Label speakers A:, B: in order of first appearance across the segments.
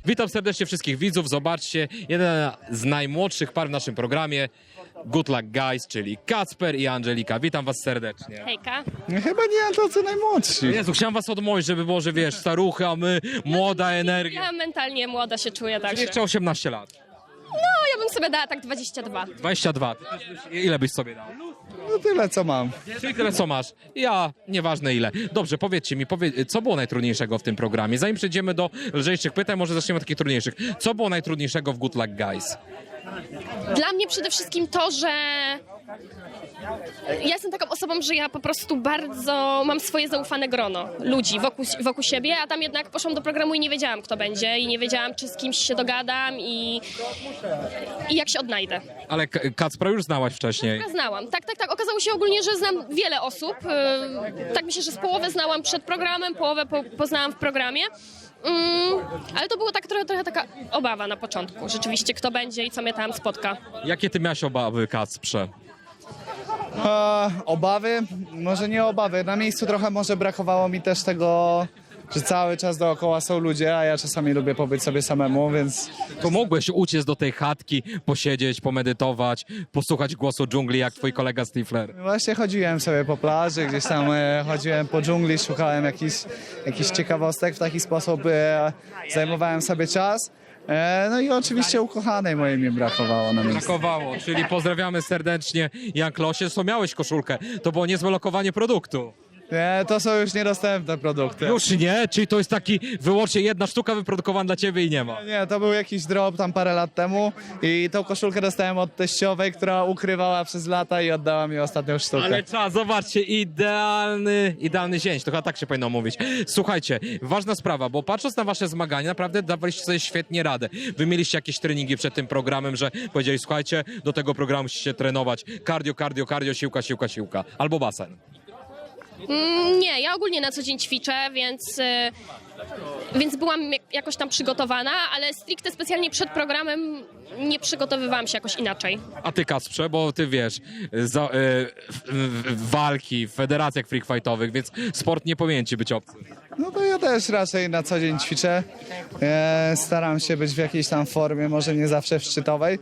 A: Witam serdecznie wszystkich widzów. Zobaczcie, jeden z najmłodszych par w naszym programie. Good Luck Guys, czyli Kacper i Angelika. Witam was serdecznie.
B: Hejka.
C: Chyba nie tacy najmłodsi.
A: Jezu, chciałem was odmówić, żeby było, że wiesz, staruchy, a my młoda energia.
B: Ja mentalnie młoda się czuję, także.
A: Jeszcze 18 lat.
B: No, ja bym sobie dała tak 22.
A: 22. Ty też ile byś sobie dał?
C: No tyle co mam.
A: Czyli tyle co masz. Ja, nieważne ile. Dobrze, powiedzcie mi, co było najtrudniejszego w tym programie? Zanim przejdziemy do lżejszych pytań, może zaczniemy od takich trudniejszych. Co było najtrudniejszego w Good Luck Guys?
B: Dla mnie przede wszystkim to, że ja jestem taką osobą, że ja po prostu bardzo mam swoje zaufane grono ludzi wokół siebie, a tam jednak poszłam do programu i nie wiedziałam, kto będzie i nie wiedziałam, czy z kimś się dogadam i jak się odnajdę.
A: Ale Kacpra już znałaś wcześniej.
B: Ja znałam, tak. Okazało się ogólnie, że znam wiele osób. Tak myślę, że z połowę znałam przed programem, połowę poznałam w programie. Ale to było tak trochę taka obawa na początku. Rzeczywiście, kto będzie i co mnie tam spotka.
A: Jakie ty miałeś obawy, Kacprze?
C: Obawy? Może nie obawy. Na miejscu trochę może brakowało mi też tego, że cały czas dookoła są ludzie, a ja czasami lubię pobyć sobie samemu, więc
A: To mogłeś uciec do tej chatki, posiedzieć, pomedytować, posłuchać głosu dżungli, jak twój kolega Stifler.
C: właśnie chodziłem sobie po plaży, gdzieś tam chodziłem po dżungli, szukałem jakichś ciekawostek, w taki sposób zajmowałem sobie czas. No i oczywiście ukochanej mojej mi brakowało na miejscu.
A: Brakowało, czyli pozdrawiamy serdecznie Jan Klosie. Co miałeś koszulkę? To było niezłe lokowanie produktu.
C: Nie, to są już niedostępne produkty.
A: Już nie? Czyli to jest taki wyłącznie jedna sztuka wyprodukowana dla ciebie i nie ma.
C: Nie, to był jakiś drop tam parę lat temu i tą koszulkę dostałem od teściowej, która ukrywała przez lata i oddała mi ostatnią sztukę.
A: Ale czas, zobaczcie, idealny zięć, to chyba tak się powinno mówić. Słuchajcie, ważna sprawa, bo patrząc na wasze zmagania, naprawdę dawaliście sobie świetnie radę. Wy mieliście jakieś treningi przed tym programem, że powiedzieli, słuchajcie, do tego programu musicie trenować cardio, siłka, albo basen.
B: Nie, ja ogólnie na co dzień ćwiczę, więc byłam jakoś tam przygotowana, ale stricte specjalnie przed programem nie przygotowywałam się jakoś inaczej.
A: A ty, Kacprze, bo ty wiesz, walki w federacjach freak fightowych, więc sport nie powinien ci być obcy.
C: No to ja też raczej na co dzień ćwiczę. Staram się być w jakiejś tam formie, może nie zawsze w szczytowej.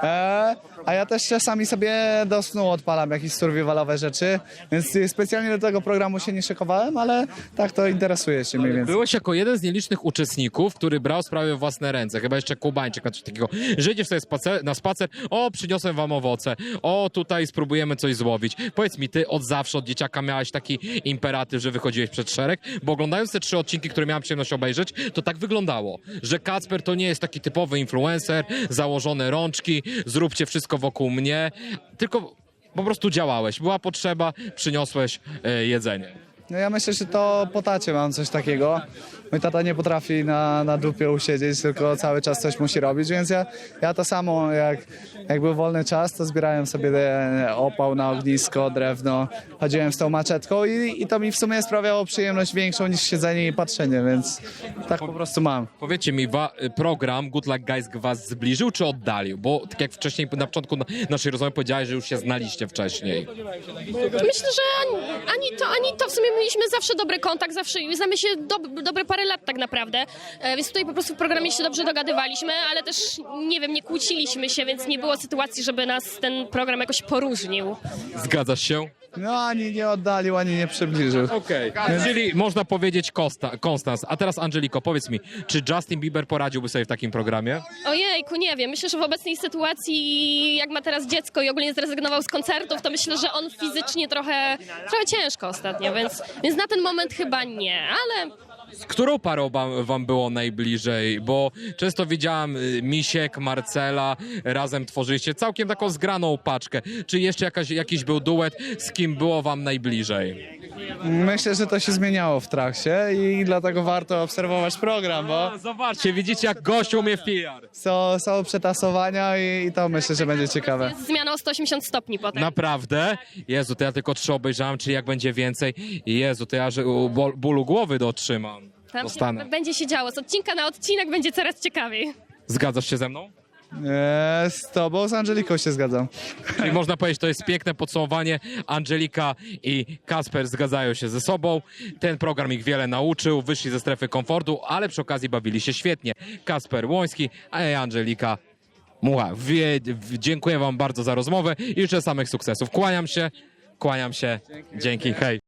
C: A ja też czasami sobie do snu odpalam jakieś survivalowe rzeczy, więc specjalnie do tego programu się nie szykowałem, ale tak to interesuje się mniej więcej.
A: Byłeś jako jeden z nielicznych uczestników, który brał sprawę w własne ręce, chyba jeszcze Kubańczyk na coś takiego, że idziesz sobie na spacer, o, przyniosłem wam owoce, o, tutaj spróbujemy coś złowić. Powiedz mi, ty od zawsze, od dzieciaka miałeś taki imperatyw, że wychodziłeś przed szereg, bo oglądając te 3 odcinki, które miałem przyjemność obejrzeć, to tak wyglądało, że Kacper to nie jest taki typowy influencer, założone rączki, zróbcie wszystko wokół mnie, tylko po prostu działałeś. Była potrzeba, przyniosłeś jedzenie.
C: No ja myślę, że to po tacie mam coś takiego. Mój tata nie potrafi na dupie usiedzieć, tylko cały czas coś musi robić, więc ja to samo, jak był wolny czas, to zbierałem sobie opał na ognisko, drewno, chodziłem z tą maczetką i to mi w sumie sprawiało przyjemność większą niż siedzenie i patrzenie, więc tak po prostu mam.
A: Powiedzcie mi, program Good Luck Guys was zbliżył czy oddalił? Bo tak jak wcześniej na początku naszej rozmowy powiedziałeś, że już się znaliście wcześniej.
B: Myślę, że ani to w sumie mieliśmy zawsze dobry kontakt, zawsze znamy się dobre parę lat tak naprawdę, więc tutaj po prostu w programie się dobrze dogadywaliśmy, ale też nie wiem, nie kłóciliśmy się, więc nie było sytuacji, żeby nas ten program jakoś poróżnił.
A: Zgadzasz się?
C: No ani nie oddalił, ani nie przybliżył.
A: Okej. Czyli można powiedzieć Konstans. A teraz Angeliko, powiedz mi, czy Justin Bieber poradziłby sobie w takim programie?
B: Ojejku, nie wiem, myślę, że w obecnej sytuacji, jak ma teraz dziecko i ogólnie zrezygnował z koncertów, to myślę, że on fizycznie trochę ciężko ostatnio, więc na ten moment chyba nie, ale...
A: Z którą parą wam było najbliżej? Bo często widziałam Misiek, Marcela, razem tworzyliście całkiem taką zgraną paczkę. Czy jeszcze jakiś był duet, z kim było wam najbliżej?
C: Myślę, że to się zmieniało w trakcie i dlatego warto obserwować program, bo
A: Zobaczcie, widzicie jak gość umie w PR.
C: są przetasowania i to myślę, że będzie ciekawe.
B: Jest zmiana o 180 stopni potem.
A: Naprawdę? Jezu, to ja tylko 3 obejrzałem, czyli jak będzie więcej. Jezu, to ja że bólu głowy dotrzymam.
B: Tam
A: Dostanę.
B: będzie się działo. Z odcinka na odcinek będzie coraz ciekawiej.
A: Zgadzasz się ze mną?
C: Z tobą, z Angeliką się zgadzam.
A: Czyli można powiedzieć, to jest piękne podsumowanie. Angelika i Kasper zgadzają się ze sobą. Ten program ich wiele nauczył, wyszli ze strefy komfortu, ale przy okazji bawili się świetnie. Kasper Łoński, a ja Angelika Mucha. Dziękuję wam bardzo za rozmowę i życzę samych sukcesów. Kłaniam się. Dzięki, hej.